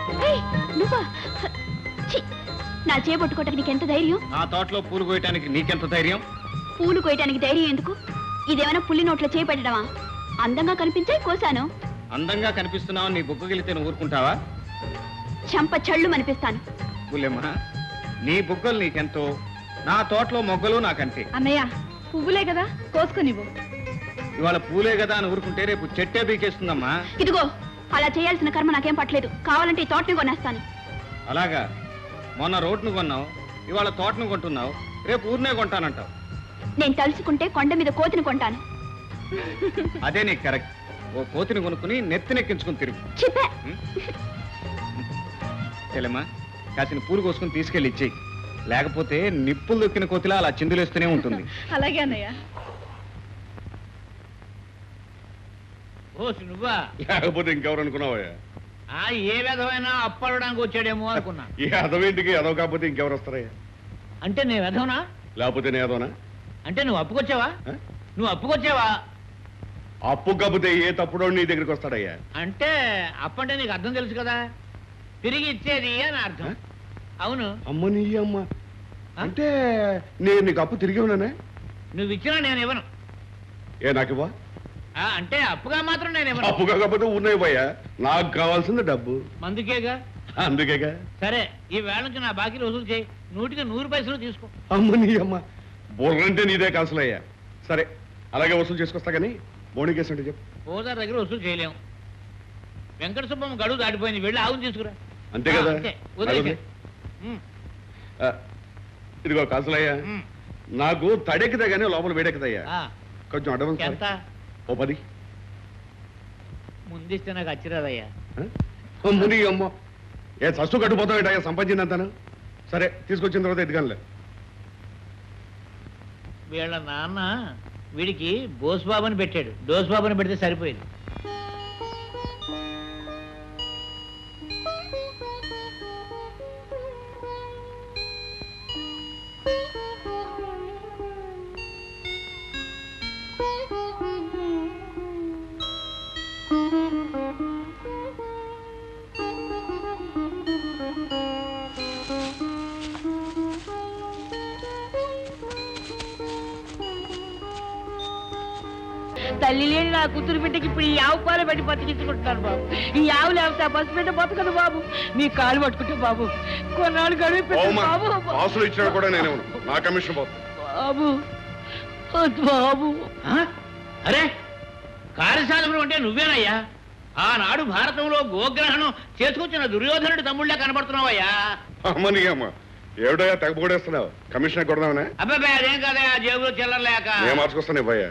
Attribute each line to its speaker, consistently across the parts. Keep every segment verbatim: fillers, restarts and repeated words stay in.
Speaker 1: నువ్వా? ఛీ, నా చేపట్టుకోవటానికి నీకెంత ధైర్యం?
Speaker 2: నా తోటలో పూలు కోయటానికి నీకెంత ధైర్యం?
Speaker 1: పూలు కోయటానికి ధైర్యం ఎందుకు? ఇదేమైనా పుల్లి నోట్లో చేపెట్టడమా? అందంగా కనిపించే కోసాను.
Speaker 2: అందంగా కనిపిస్తున్నావు, నీ బుగ్గగిలితే నువ్వు ఊరుకుంటావా?
Speaker 1: చంప చళ్ళు అనిపిస్తాను.
Speaker 2: పుల్లెమ్మ, నీ బుగ్గలు నీకెంతో, నా తోటలో మొగ్గలు నాకంతే.
Speaker 1: అన్నయ్య, పువ్వులే కదా, కోసుకునివ్వు.
Speaker 2: ఇవాళ పూలే కదా అని ఊరుకుంటే రేపు చెట్టే బీకేస్తుందమ్మా.
Speaker 1: ఇదిగో, అలా చేయాల్సిన కర్మ నాకేం పట్టలేదు. కావాలంటే ఈ తోటని కొనేస్తాను.
Speaker 2: అలాగా? మొన్న రోడ్ను కొన్నావు, ఇవాళ తోటను కొంటున్నావు, రేపు ఊరినే కొంటానంటావు.
Speaker 1: నేను తలుచుకుంటే కొండ మీద కోతిని కొంటాను.
Speaker 2: అదే నీకు కరెక్ట్. ఓ కోతిని కొనుక్కుని నెత్తినెక్కించుకుని తిరుగు.
Speaker 1: చిప్పే.
Speaker 2: చెల్లెమ్మా, కాసిన పూలు కోసుకుని తీసుకెళ్ళి ఇచ్చేయి. లేకపోతే నిప్పులు దొక్కిన కోతిలా అలా చిందులేస్తూనే ఉంటుంది.
Speaker 1: అలాగే అన్నయ్య.
Speaker 3: ఓ నువ్వా?
Speaker 4: లేకపోతే ఇంకెవరు అనుకున్నావా?
Speaker 3: ఆ ఏ విధమైనా అప్పడడానికి వచ్చాడేమో అనుకున్నా.
Speaker 4: ఈ అదవేంటికి అదవ కాకపోతే ఇంకెవరు వస్తారయ్యా?
Speaker 3: అంటే నేను వెధవనా?
Speaker 4: లేకపోతే నే అదవనా?
Speaker 3: అంటే నువ్వు అప్పుకొచ్చావా? నువ్వు అప్పుకొచ్చావా?
Speaker 4: అప్పు కాకపోతే ఏ తప్పుడో నీ దగ్గరికి వస్తాడయ్యా?
Speaker 3: అంటే అప్పంటే నీకు అర్థం తెలుసు కదా, తిరిగి ఇచ్చేది అని అర్థం. అవును.
Speaker 4: అమ్మ నీ అమ్మ అంటే నేను నీకు అప్పు తిరిగి ఉన్నానే?
Speaker 3: నువ్వు ఇచ్చినా నేను ఇవ్వను.
Speaker 4: ఏ నాకు ఇవ్వ?
Speaker 3: అంటే అప్పుగా మాత్రం నేను ఇవ్వను.
Speaker 4: అప్పు కాకపోతే ఉన్నాయి పోయా, నాకు కావాల్సింది డబ్బు.
Speaker 3: మందుకేగా.
Speaker 4: అందుకేగా.
Speaker 3: సరే, ఈ వేళ నుంచి నా బాకీలు వసూలు చేయి. నూటికి నూరు పైసలు తీసుకో.
Speaker 4: అమ్మ నీ అమ్మ, బుర్రంటే నీదే కాసులయ్యా. సరే, అలాగే వసూలు చేసుకొస్తా కానీ బోణికేసి అంటే చెప్పు.
Speaker 3: ఓదార్ దగ్గర వసూలు చేయలేము. వెంకట సుబ్బమ్మ గడువు దాటిపోయింది, వెళ్ళి ఆవును తీసుకురా.
Speaker 4: అంతే కదా? ఆ, ఇదిగో కాసులయ్యా, నాకు తడెక్కితే గానీ లోపల వేడెక్కదయ్యా. కొంచెం అడ్వాన్స్
Speaker 3: ఎంత?
Speaker 4: ఓ పది
Speaker 3: ముందిస్తే నాకు అచ్చిరాదయ్యా.
Speaker 4: ముని అమ్మ, ఏ సస్సు కట్టుపోతావు సంపాదించిందంతాను. సరే, తీసుకొచ్చిన తర్వాత ఎదిగానులే.
Speaker 3: వీళ్ళ నాన్న వీడికి బోస్బాబుని పెట్టాడు, డోస్బాబుని పెడితే సరిపోయింది. తల్లి లేని నా కూతురు బిడ్డకి ఇప్పుడు ఈ ఆవు పాలు పెట్టి బతికించుకుంటున్నాను బాబు. ఈ ఆవు లేకపోతే ఆ బస్సు బిడ్డ బతకదు బాబు. మీ కాలు పట్టుకుంటే బాబు కొన్నాళ్ళు గడువు బాబు.
Speaker 4: ఆసులు ఇచ్చినా కూడా నేను నా కమిషన్
Speaker 3: బాబు బాబు. అరే, కార్యశాలలో అంటే నువ్వేనయ్యా? ఆనాడు భారతంలో గోగ్రహణం చేసుకొచ్చిన దుర్యోధనుడి తమ్ముళ్ళే కనబడుతున్నావయ్యా.
Speaker 4: అమ్మని అమ్మ, ఏమిటయ్యా తెగపోడేస్తున్నావు? కమిషన్ కొడదామనే?
Speaker 3: అబ్బాయి అదేం కాదయ్యా, జేబులో చిల్లరలేక.
Speaker 4: నేను మార్చుకొస్తాను ఇవ్వయ్యా.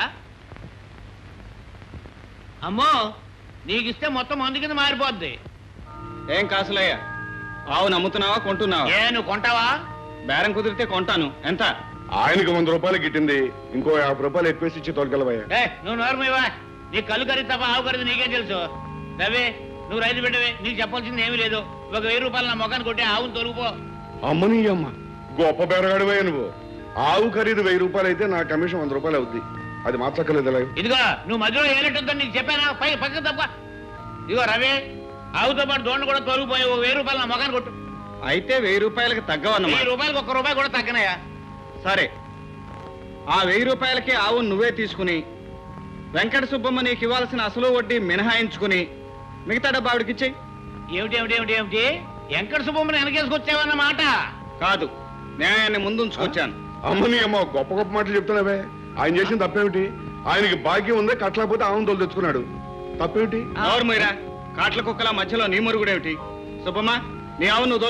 Speaker 3: అమ్మో, నీకిస్తే మొత్తం మందు కింద మారిపోద్ది.
Speaker 2: ఏం కాసులయ్యా, ఆవు నమ్ముతున్నావా కొంటున్నావా?
Speaker 3: ఏ నువ్వు కొంటావా?
Speaker 2: బేరం కుదిరితే కొంటాను. ఎంత?
Speaker 4: ఆయనకు వంద రూపాయలు గిట్టింది, ఇంకో యాభై రూపాయలు ఎక్కువేసి ఇచ్చి తోలుకెళ్ళవయ్యా.
Speaker 3: ఏ నువ్వు నోరమివా? నీ కళ్ళు ఖరీదు తప్ప ఆవు ఖరీదు నీకేం తెలుసు? రవి, నువ్వు రైతు బిడ్డవే, నీకు చెప్పాల్సింది ఏమీ లేదు. ఒక వెయ్యి రూపాయలు నా మొఖాన్ని కొట్టి ఆవును తొలుగుపో.
Speaker 4: అమ్మని అమ్మ, గొప్ప బేరగాడివయ్యా నువ్వు. ఆవు ఖరీదు వెయ్యి రూపాయలు అయితే నా కమిషన్ వంద రూపాయలు అవుద్ది. అది మార్చక్కర్లేదు.
Speaker 3: ఇదిగో, నువ్వు మధ్యలో ఏనట్టుందని నీకు చెప్పానా? పై పక్క తప్ప. ఇదిగో రవి, ఆవుతో పాటు దోండ కూడా తొలగిపోయి ఒక వెయ్యి రూపాయలు నా మొఖాన్ని కొట్టు.
Speaker 2: అయితే వెయ్యి రూపాయలకి తగ్గవన్నమాట.
Speaker 3: వెయ్యి రూపాయలకి ఒక్క రూపాయి కూడా తగ్గనయా?
Speaker 2: సరే, ఆ వెయ్యి రూపాయలకి ఆవు నువ్వే తీసుకుని వెంకట సుబ్బమ్మ నీకు ఇవ్వాల్సిన అసలు వడ్డీ మినహాయించుకుని మిగతా డబ్బు ఆవిడకి ఇచ్చేయి.
Speaker 3: ఏమిటి ఏమిటి ఏమిటి ఏమిటి వెంకట సుబ్బమ్మని వెనకేసుకొచ్చావన్నమాట?
Speaker 2: కాదు, న్యాయాన్ని ముందుంచుకొచ్చాను.
Speaker 4: అమ్మని అమ్మ, గొప్ప గొప్ప మాటలు చెప్తున్నావే. ఆయన చేసిన తప్పేమిటి? ఆయనకి భాగ్యం ఉందే, కట్టలేకపోతే ఆవును తోలు తెచ్చుకున్నాడు. తప్పేమిటి?
Speaker 2: నోరు మీరా, కాట్ల కుక్కల మధ్యలో నీ మురుగుడేమిటి? సుబ్బమ్మ, నీ ఆవు నువ్వు